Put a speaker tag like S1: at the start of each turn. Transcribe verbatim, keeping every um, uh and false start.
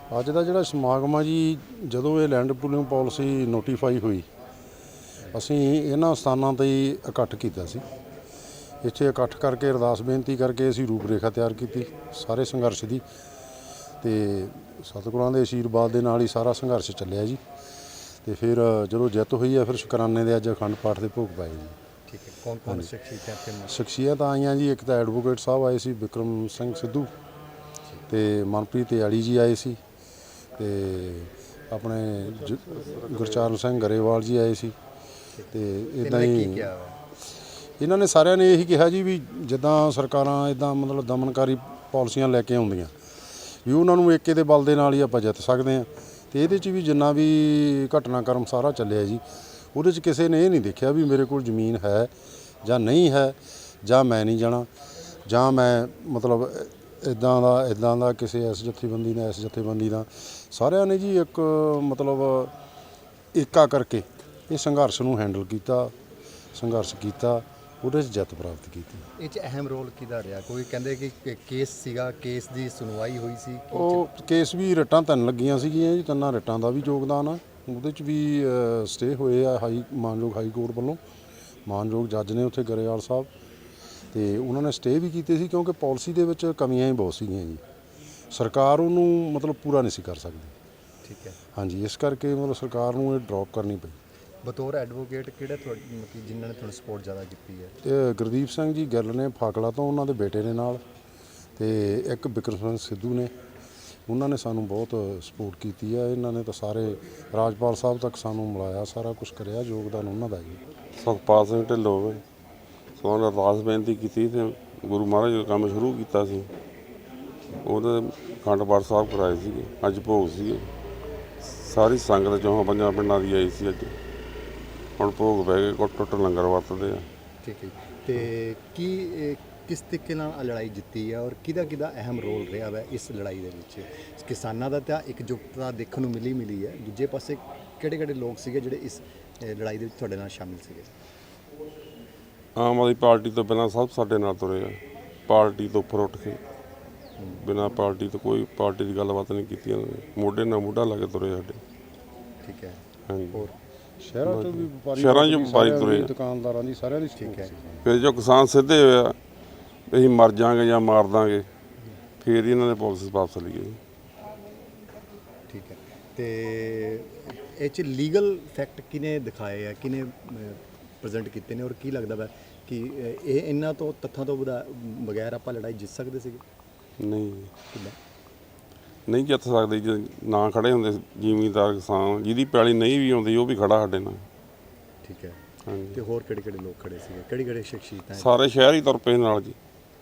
S1: ਅੱਜ ਦਾ ਜਿਹੜਾ ਸਮਾਗਮ ਆ ਜੀ, ਜਦੋਂ ਇਹ ਲੈਂਡ ਪੂਲਿੰਗ ਪਾਲਿਸੀ ਨੋਟੀਫਾਈ ਹੋਈ, ਅਸੀਂ ਇਹਨਾਂ ਸਥਾਨਾਂ 'ਤੇ ਹੀ ਇਕੱਠ ਕੀਤਾ ਸੀ। ਇੱਥੇ ਇਕੱਠ ਕਰਕੇ ਅਰਦਾਸ ਬੇਨਤੀ ਕਰਕੇ ਅਸੀਂ ਰੂਪ ਰੇਖਾ ਤਿਆਰ ਕੀਤੀ ਸਾਰੇ ਸੰਘਰਸ਼ ਦੀ, ਅਤੇ ਸਤਿਗੁਰਾਂ ਦੇ ਅਸ਼ੀਰਵਾਦ ਦੇ ਨਾਲ ਹੀ ਸਾਰਾ ਸੰਘਰਸ਼ ਚੱਲਿਆ ਜੀ। ਅਤੇ ਫਿਰ ਜਦੋਂ ਜਿੱਤ ਹੋਈ ਆ, ਫਿਰ ਸ਼ੁਕਰਾਨੇ ਦੇ ਅੱਜ ਅਖੰਡ ਪਾਠ ਦੇ ਭੋਗ ਪਾਏ ਜੀ।
S2: ਠੀਕ ਹੈ, ਕੌਣ ਕੌਣ ਸ਼ਖਸੀਅਤਾਂ
S1: ਸ਼ਖਸੀਅਤ ਆਈਆਂ ਜੀ, ਇੱਕ ਤਾਂ ਐਡਵੋਕੇਟ ਸਾਹਿਬ ਆਏ ਸੀ ਬਿਕਰਮ ਸਿੰਘ ਸਿੱਧੂ, ਅਤੇ ਮਨਪ੍ਰੀਤ ਯਾਲੀ ਜੀ ਆਏ ਸੀ, ਅਤੇ ਆਪਣੇ ਜ ਗੁਰਚਰਨ ਸਿੰਘ ਗਰੇਵਾਲ ਜੀ ਆਏ ਸੀ। ਅਤੇ ਇੱਦਾਂ ਹੀ ਇਹਨਾਂ ਨੇ ਸਾਰਿਆਂ ਨੇ ਇਹੀ ਕਿਹਾ ਜੀ ਵੀ ਜਿੱਦਾਂ ਸਰਕਾਰਾਂ ਇੱਦਾਂ ਮਤਲਬ ਦਮਨਕਾਰੀ ਪਾਲਿਸੀਆਂ ਲੈ ਕੇ ਆਉਂਦੀਆਂ ਵੀ ਉਹਨਾਂ ਨੂੰ ਏਕੇ ਦੇ ਬਲ ਦੇ ਨਾਲ ਹੀ ਆਪਾਂ ਜਿੱਤ ਸਕਦੇ ਹਾਂ। ਅਤੇ ਇਹਦੇ 'ਚ ਵੀ ਜਿੰਨਾ ਵੀ ਘਟਨਾਕ੍ਰਮ ਸਾਰਾ ਚੱਲਿਆ ਜੀ, ਉਹਦੇ 'ਚ ਕਿਸੇ ਨੇ ਇਹ ਨਹੀਂ ਦੇਖਿਆ ਵੀ ਮੇਰੇ ਕੋਲ ਜ਼ਮੀਨ ਹੈ ਜਾਂ ਨਹੀਂ ਹੈ, ਜਾਂ ਮੈਂ ਨਹੀਂ ਜਾਣਾ, ਜਾਂ ਮੈਂ ਮਤਲਬ ਇੱਦਾਂ ਦਾ ਇੱਦਾਂ ਦਾ ਕਿਸੇ ਇਸ ਜਥੇਬੰਦੀ ਦਾ ਇਸ ਜਥੇਬੰਦੀ ਦਾ। ਸਾਰਿਆਂ ਨੇ ਜੀ ਇੱਕ ਮਤਲਬ ਏਕਾ ਕਰਕੇ ਇਹ ਸੰਘਰਸ਼ ਨੂੰ ਹੈਂਡਲ ਕੀਤਾ, ਸੰਘਰਸ਼ ਕੀਤਾ, ਉਹਦੇ 'ਚ ਜਿੱਤ ਪ੍ਰਾਪਤ ਕੀਤੀ।
S2: ਇਹ 'ਚ ਅਹਿਮ ਰੋਲ ਕਿਹਦਾ ਰਿਹਾ? ਕੋਈ ਕਹਿੰਦੇ ਕਿ ਕੇਸ ਸੀਗਾ, ਕੇਸ ਦੀ ਸੁਣਵਾਈ ਹੋਈ ਸੀ।
S1: ਉਹ ਕੇਸ ਵੀ ਰਿਟਾਂ ਤਿੰਨ ਲੱਗੀਆਂ ਸੀਗੀਆਂ ਜੀ, ਤਿੰਨਾਂ ਰਿਟਾਂ ਦਾ ਵੀ ਯੋਗਦਾਨ ਆ ਉਹਦੇ 'ਚ ਵੀ। ਸਟੇ ਹੋਏ ਆ ਹਾਈ ਮਾਨਯੋਗ ਹਾਈ ਕੋਰਟ ਵੱਲੋਂ, ਮਾਨਯੋਗ ਜੱਜ ਨੇ ਉੱਥੇ ਗਰੇਵਾਲ ਸਾਹਿਬ, ਅਤੇ ਉਹਨਾਂ ਨੇ ਸਟੇ ਵੀ ਕੀਤੇ ਸੀ ਕਿਉਂਕਿ ਪਾਲਿਸੀ ਦੇ ਵਿੱਚ ਕਮੀਆਂ ਹੀ ਬਹੁਤ ਸੀਗੀਆਂ ਜੀ। ਸਰਕਾਰ ਉਹਨੂੰ ਮਤਲਬ ਪੂਰਾ ਨਹੀਂ ਸੀ ਕਰ ਸਕਦੀ।
S2: ਠੀਕ ਹੈ,
S1: ਹਾਂਜੀ, ਇਸ ਕਰਕੇ ਮਤਲਬ ਸਰਕਾਰ ਨੂੰ ਇਹ ਡਰੋਪ ਕਰਨੀ ਪਈ।
S2: ਬਤੌਰ ਐਡਵੋਕੇਟ ਕਿਹੜਾ ਤੁਹਾਡੀ ਮਤਲਬ ਜਿਨ੍ਹਾਂ ਨੇ ਤੁਹਾਨੂੰ ਸਪੋਰਟ ਜ਼ਿਆਦਾ ਕੀਤੀ ਹੈ?
S1: ਇਹ ਗੁਰਦੀਪ ਸਿੰਘ ਜੀ ਗਿੱਲ ਨੇ ਫਾਕਲਾ ਤੋਂ, ਉਹਨਾਂ ਦੇ ਬੇਟੇ ਦੇ ਨਾਲ, ਅਤੇ ਇੱਕ ਬਿਕਰਮ ਸਿੰਘ ਸਿੱਧੂ ਨੇ, ਉਹਨਾਂ ਨੇ ਸਾਨੂੰ ਬਹੁਤ ਸਪੋਰਟ ਕੀਤੀ ਆ। ਇਹਨਾਂ ਨੇ ਤਾਂ ਸਾਰੇ ਰਾਜਪਾਲ ਸਾਹਿਬ ਤੱਕ ਸਾਨੂੰ ਮਿਲਾਇਆ, ਸਾਰਾ ਕੁਛ ਕਰਿਆ, ਯੋਗਦਾਨ ਉਹਨਾਂ ਦਾ ਜੀ।
S3: ਸੁਖਪਾਲ ਸਿੰਘ ਢਿੱਲੋਂ ਸੋ ਅਰਦਾਸ ਬੇਨਤੀ ਕੀਤੀ ਅਤੇ ਗੁਰੂ ਮਹਾਰਾਜ ਦਾ ਕੰਮ ਸ਼ੁਰੂ ਕੀਤਾ ਸੀ। ਉਹਦੇ ਅਖੰਡ ਪਾਠ ਸਾਹਿਬ ਕਰਾਏ ਸੀਗੇ, ਅੱਜ ਭੋਗ ਸੀਗੇ। ਸਾਰੀ ਸੰਗਤ ਚੌਹਾਂ ਪੰਜਾਂ ਪਿੰਡਾਂ ਦੀ ਆਈ ਸੀ ਅੱਜ। ਹੁਣ ਭੋਗ ਪੈ ਗਏ, ਕੁੱਟ ਟੁੱਟ ਲੰਗਰ ਵਰਤਦੇ ਆ।
S2: ਠੀਕ ਹੈ, ਅਤੇ ਕੀ ਕਿਸ ਤਰੀਕੇ ਨਾਲ ਲੜਾਈ ਜਿੱਤੀ ਹੈ ਔਰ ਕਿਹਦਾ ਕਿਹਦਾ ਅਹਿਮ ਰੋਲ ਰਿਹਾ ਵਾ ਇਸ ਲੜਾਈ ਦੇ ਵਿੱਚ? ਕਿਸਾਨਾਂ ਦਾ ਤਾਂ ਇਕਜੁੱਟਤਾ ਦੇਖਣ ਨੂੰ ਮਿਲੀ ਮਿਲੀ ਹੈ, ਦੂਜੇ ਪਾਸੇ ਕਿਹੜੇ ਕਿਹੜੇ ਲੋਕ ਸੀਗੇ ਜਿਹੜੇ ਇਸ ਲੜਾਈ ਦੇ ਵਿੱਚ ਤੁਹਾਡੇ ਨਾਲ ਸ਼ਾਮਿਲ ਸੀਗੇ?
S3: ਆਮ ਆਦਮੀ ਪਾਰਟੀ ਤੋਂ ਪਹਿਲਾਂ ਸਭ ਸਾਡੇ ਨਾਲ ਤੁਰੇ ਆ, ਪਾਰਟੀ ਤੋਂ ਉੱਪਰ ਉੱਠ ਕੇ, ਬਿਨਾਂ ਪਾਰਟੀ ਤੋਂ ਕੋਈ ਪਾਰਟੀ ਦੀ ਗੱਲਬਾਤ ਨਹੀਂ ਕੀਤੀ ਉਹਨਾਂ ਨੇ, ਮੋਢੇ ਨਾਲ ਮੋਢਾ ਲਾ ਕੇ ਤੁਰੇ ਸਾਡੇ।
S2: ਠੀਕ ਹੈ,
S3: ਹਾਂਜੀ,
S2: ਹੋਰ
S1: ਸ਼ਹਿਰਾਂ 'ਚ ਵੀ ਵਪਾਰੀ,
S3: ਸ਼ਹਿਰਾਂ 'ਚ ਵਪਾਰੀ ਤੁਰੇ ਆ,
S1: ਦੁਕਾਨਦਾਰਾਂ ਦੀ, ਸਾਰਿਆਂ ਦੀ।
S2: ਠੀਕ ਹੈ,
S3: ਫਿਰ ਜੋ ਕਿਸਾਨ ਸਿੱਧੇ ਹੋਏ ਆ ਅਸੀਂ ਮਰ ਜਾਵਾਂਗੇ ਜਾਂ ਮਾਰ ਦਾਂਗੇ, ਫਿਰ ਇਹਨਾਂ ਨੇ ਪਾਲਿਸੀ ਵਾਪਸ ਲਈਏ।
S2: ਠੀਕ ਹੈ, ਅਤੇ ਇਹ 'ਚ ਲੀਗਲ ਫੈਕਟ ਕਿਹਨੇ ਦਿਖਾਏ ਆ, ਕਿਹਨੇ ਪ੍ਰੈਜ਼ੈਂਟ ਕੀਤੇ ਨੇ, ਔਰ ਕੀ ਲੱਗਦਾ ਵਾ ਕਿ ਇਹ ਇਹਨਾਂ ਤੋਂ ਤੱਥਾਂ ਤੋਂ ਬਗੈਰ ਆਪਾਂ ਲੜਾਈ ਜਿੱਤ ਸਕਦੇ ਸੀਗੇ?
S3: ਨਹੀਂ,
S2: ਕਿੱਦਾਂ
S3: ਨਹੀਂ ਜਿੱਤ ਸਕਦੇ ਜੇ ਨਾ ਖੜੇ ਹੁੰਦੇ ਜ਼ਿਮੀਂਦਾਰ ਕਿਸਾਨ, ਜਿਹਦੀ ਪੈਲੀ ਨਹੀਂ ਵੀ ਆਉਂਦੀ ਉਹ ਵੀ ਖੜਾ ਸਾਡੇ ਨਾਲ।
S2: ਠੀਕ ਹੈ,
S3: ਹਾਂਜੀ,
S2: ਅਤੇ ਹੋਰ ਕਿਹੜੇ ਕਿਹੜੇ ਲੋਕ ਖੜੇ ਸੀਗੇ, ਕਿਹੜੀ ਕਿਹੜੇ ਸ਼ਖਸੀਅਤਾਂ?
S3: ਸਾਰੇ ਸ਼ਹਿਰ ਹੀ ਤੁਰ ਪਏ ਨਾਲ ਜੀ।